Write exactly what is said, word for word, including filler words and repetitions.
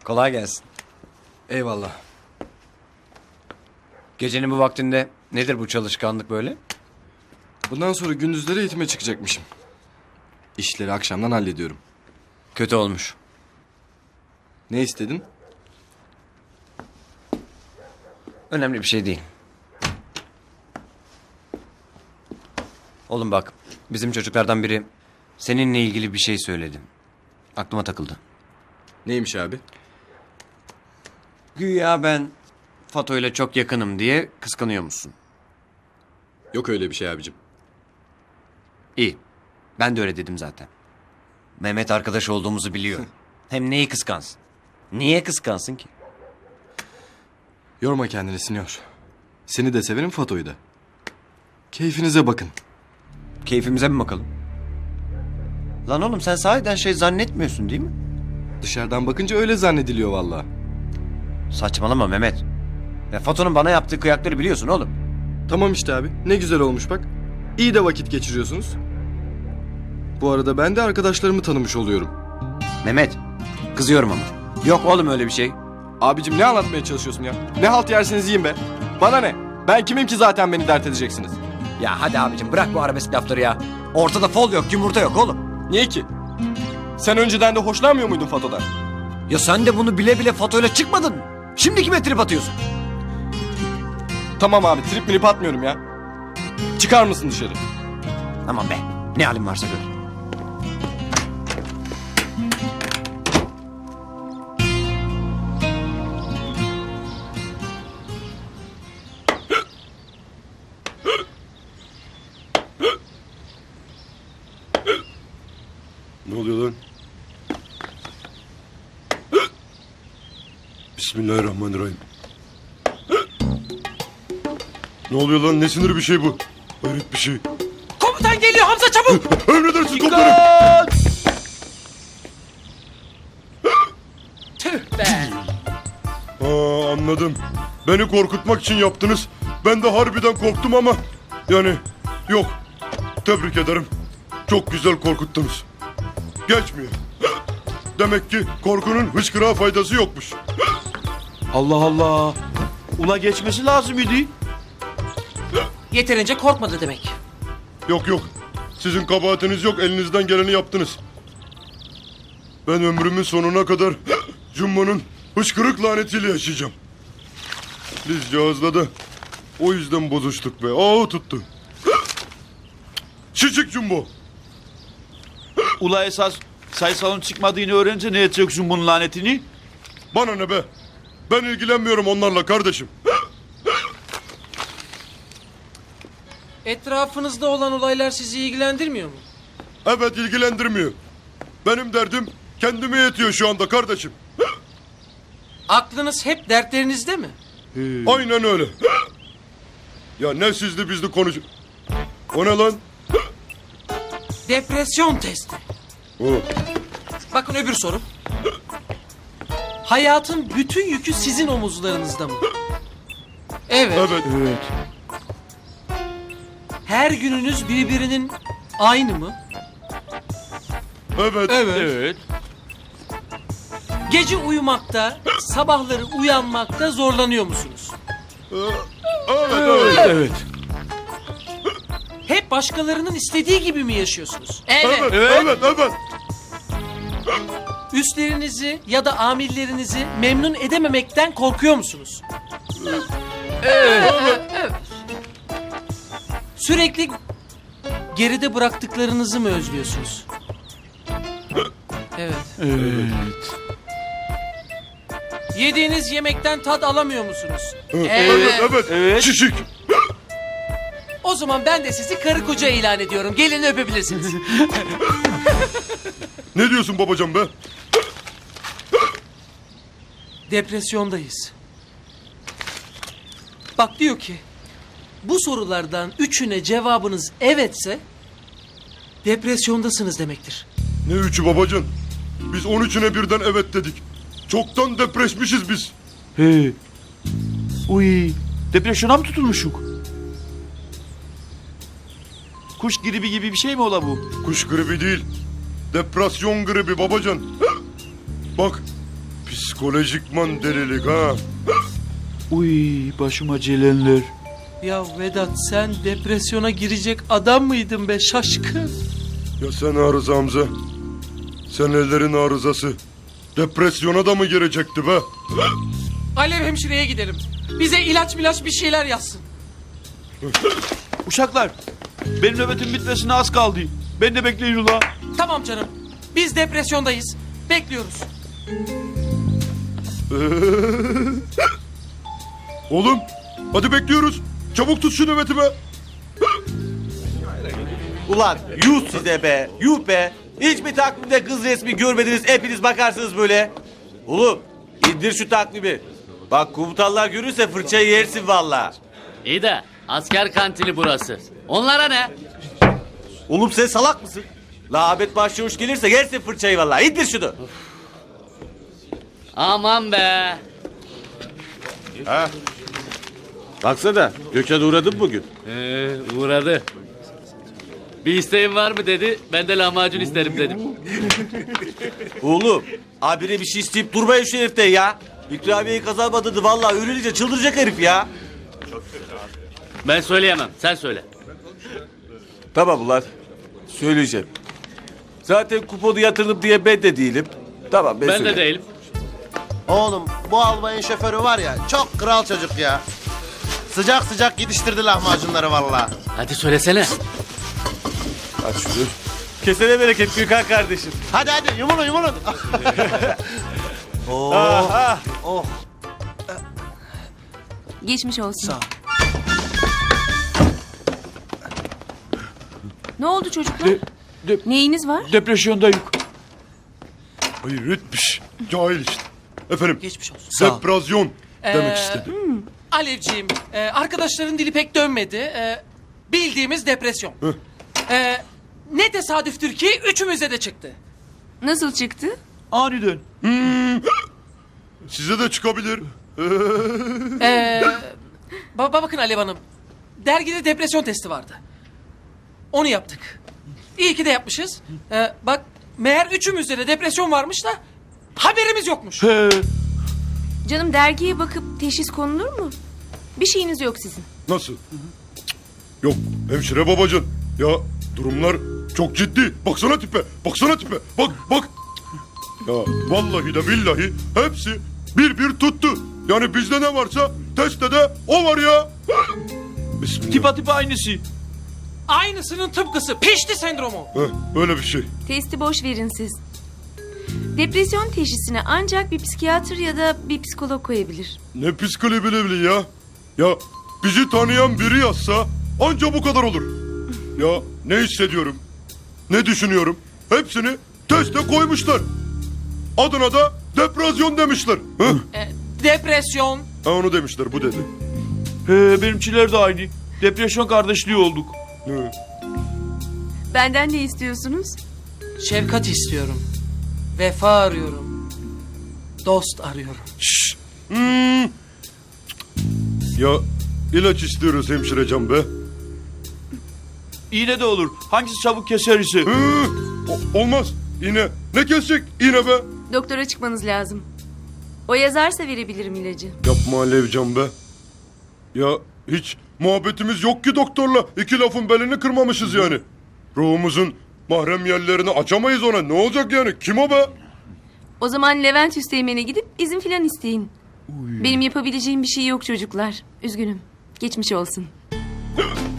Kolay gelsin. Eyvallah. Gecenin bu vaktinde nedir bu çalışkanlık böyle? Bundan sonra gündüzleri eğitime çıkacakmışım. İşleri akşamdan hallediyorum. Kötü olmuş. Ne istedin? Önemli bir şey değil. Oğlum bak, bizim çocuklardan biri seninle ilgili bir şey söyledi. Aklıma takıldı. Neymiş abi? Güya ben Fato ile çok yakınım diye kıskanıyor musun? Yok öyle bir şey abicim. İyi. Ben de öyle dedim zaten. Mehmet arkadaş olduğumuzu biliyor. Hem neyi kıskansın? Niye kıskansın ki? Yorma kendini Sinyor. Seni de severim, Fato'yu da. Keyfinize bakın. Keyfimize mi bakalım? Lan oğlum sen sahiden şey zannetmiyorsun değil mi? Dışarıdan bakınca öyle zannediliyor vallahi. Saçmalama Mehmet. Ya Fato'nun bana yaptığı kıyakları biliyorsun oğlum. Tamam işte abi. Ne güzel olmuş bak. İyi de vakit geçiriyorsunuz. Bu arada ben de arkadaşlarımı tanımış oluyorum. Mehmet, kızıyorum ama. Yok oğlum öyle bir şey. Abicim ne anlatmaya çalışıyorsun ya? Ne halt yerseniz yiyin be. Bana ne? Ben kimim ki zaten beni dert edeceksiniz? Ya hadi abicim bırak bu arabesk lafları ya. Ortada fol yok, yumurta yok oğlum. Niye ki? Sen önceden de hoşlanmıyor muydun Fato'dan? Ya sen de bunu bile bile Fato'yla çıkmadın mı? Şimdi kime trip atıyorsun? Tamam abi, trip milip atmıyorum ya. Çıkar mısın dışarı? Aman be, ne halin varsa gör. Ne oluyor lan? Bismillahirrahmanirrahim. Ne oluyor lan? Ne sinir bir şey bu? Hayret bir şey. Komutan geliyor Hamza çabuk. Emredersin komutanım. Tüh be. Aa, anladım. Beni korkutmak için yaptınız. Ben de harbiden korktum ama... Yani yok. Tebrik ederim. Çok güzel korkuttunuz. Geçmiyor. Demek ki korkunun hıçkırığa faydası yokmuş. Allah Allah. Ula geçmesi lazım idi. Yeterince korkmadı demek. Yok yok. Sizin kabahatiniz yok. Elinizden geleni yaptınız. Ben ömrümün sonuna kadar Jumbo'nun hıçkırık lanetiyle yaşayacağım. Biz Cihaz'la da o yüzden bozuştuk be. Ağı tuttu. Şişik Jumbo. Ula esas sayısalın çıkmadığını öğrenince ne edeceksin bunun lanetini? Bana ne be? Ben ilgilenmiyorum onlarla kardeşim. Etrafınızda olan olaylar sizi ilgilendirmiyor mu? Evet, ilgilendirmiyor. Benim derdim kendime yetiyor şu anda kardeşim. Aklınız hep dertlerinizde mi? Aynen öyle. Ya ne sizli bizli konuş... O ne lan? Depresyon testi. O. Bakın öbür soru. Hayatın bütün yükü sizin omuzlarınızda mı? Evet. Evet. Evet. Her gününüz birbirinin aynı mı? Evet. Evet. Gece uyumakta, sabahları uyanmakta zorlanıyor musunuz? Evet. Evet. Evet. Hep başkalarının istediği gibi mi yaşıyorsunuz? Evet. Evet. Evet. Üstlerinizi ya da amirlerinizi memnun edememekten korkuyor musunuz? Evet. Sürekli geride bıraktıklarınızı mı özlüyorsunuz? Evet. Evet. Yediğiniz yemekten tat alamıyor musunuz? Evet. Evet. Evet. Evet. Şişik. O zaman ben de sizi karı koca ilan ediyorum. Gelin öpebilirsiniz. Ne diyorsun babacan be? Depresyondayız. Bak diyor ki, bu sorulardan üçüne cevabınız evetse depresyondasınız demektir. Ne üçü babacan? Biz on üçüne birden evet dedik. Çoktan depreşmişiz biz. He. Uy. Depresyona mı tutulmuşuk? Kuş gribi gibi bir şey mi ola bu? Kuş gribi değil. Depresyon gribi babacan. Bak, Psikolojikman delilik ha. Uy başıma gelenler. Ya Vedat sen depresyona girecek adam mıydın be şaşkın? Ya sen arıza Hamza. Sen ellerin arızası. Depresyona da mı girecekti be? Alev hemşireye gidelim. Bize ilaç milaç bir şeyler yazsın. Uşaklar benim nöbetim bitmesine az kaldı. Ben de bekleyin ula. Tamam canım. Biz depresyondayız. Bekliyoruz. Oğlum hadi bekliyoruz. Çabuk tut şu nöbeti be. Ulan yuh size be, yuh be. Hiç mi takvimde kız resmi görmediniz, hepiniz bakarsınız böyle. Oğlum indir şu takvimi. Bak komutanlar görürse fırçayı yersin valla. İyi de asker kantini burası. Onlara ne? Oğlum sen salak mısın? La Ahmet Başçavuş gelirse yersin fırçayı valla. İndir şunu. Aman be. Baksana Gökhan uğradın bugün. Ee, uğradı. Bir isteğin var mı dedi. Ben de lahmacun isterim dedim. Oğlum abire bir şey isteyip durmayın şu herifte ya. İkramiyeyi kazanmadığını valla öğrenince çıldıracak herif ya. Ben söyleyemem. Sen söyle. Tamam ulan söyleyeceğim. Zaten kuponu yatırdım diye ben de değilim. Tamam ben, Ben de söyleyeyim. değilim. Oğlum bu albayın şoförü var ya çok kral çocuk ya. Sıcak sıcak yetiştirdi lahmacunları vallahi. Hadi söylesene. Aç şunu. Kesene bereket Gökhan kardeşim. Hadi hadi yumulun yumulun. Aha. Oh. Geçmiş olsun. Sağ ol. Ne oldu çocuklar? De- de- Neyiniz var? Depresyondayım. Hayır etmiş. Cahil işte. Efendim Geçmiş olsun. depresyon demek Ee, istedi. Alevciğim, e, arkadaşların dili pek dönmedi. E, bildiğimiz depresyon. E, ne tesadüftür ki üçümüze de çıktı. Nasıl çıktı? Aniden. Size de çıkabilir. E, ba- bakın Alev Hanım, dergide depresyon testi vardı. Onu yaptık. İyi ki de yapmışız. E, bak, meğer üçümüzde de depresyon varmış da haberimiz yokmuş. He. Canım dergiye bakıp teşhis konulur mu? Bir şeyiniz yok sizin. Nasıl? Cık, yok hemşire babacığım. Ya durumlar çok ciddi. Baksana tipe. Baksana tipe. Bak bak. Ya vallahi de billahi hepsi bir bir tuttu. Yani bizde ne varsa testte de o var ya. Bismillah. Tipa tipa aynısı. Aynısının tıpkısı pişti sendromu. Heh, öyle bir şey. Testi boş verin siz. Depresyon teşhisine ancak bir psikiyatr ya da bir psikolog koyabilir. Ne psikolojili ya. Ya bizi tanıyan biri yazsa anca bu kadar olur. Ya ne hissediyorum, ne düşünüyorum hepsini teste koymuşlar. Adına da depresyon demişler. Heh. E, depresyon. Ha, onu demişler bu dedi. He, benimkiler de aynı. Depresyon kardeşliği olduk. Hı. Benden ne istiyorsunuz? Şefkat istiyorum. Vefa arıyorum. Dost arıyorum. Şşş. Hmm. Ya ilaç istiyoruz hemşirecam be. İğne de olur. Hangisi çabuk keser ise. Hı. O- olmaz. İğne. Ne kesecek iğne be? Doktora çıkmanız lazım. O yazarsa verebilirim ilacı. Yapma Alevcan be. Ya hiç muhabbetimiz yok ki doktorla. İki lafın belini kırmamışız yani. Ruhumuzun mahrem yerlerini açamayız ona. Ne olacak yani? Kim o be? O zaman Levent Üsteğmen'e gidip izin filan isteyin. Benim yapabileceğim bir şey yok çocuklar. Üzgünüm. Geçmiş olsun.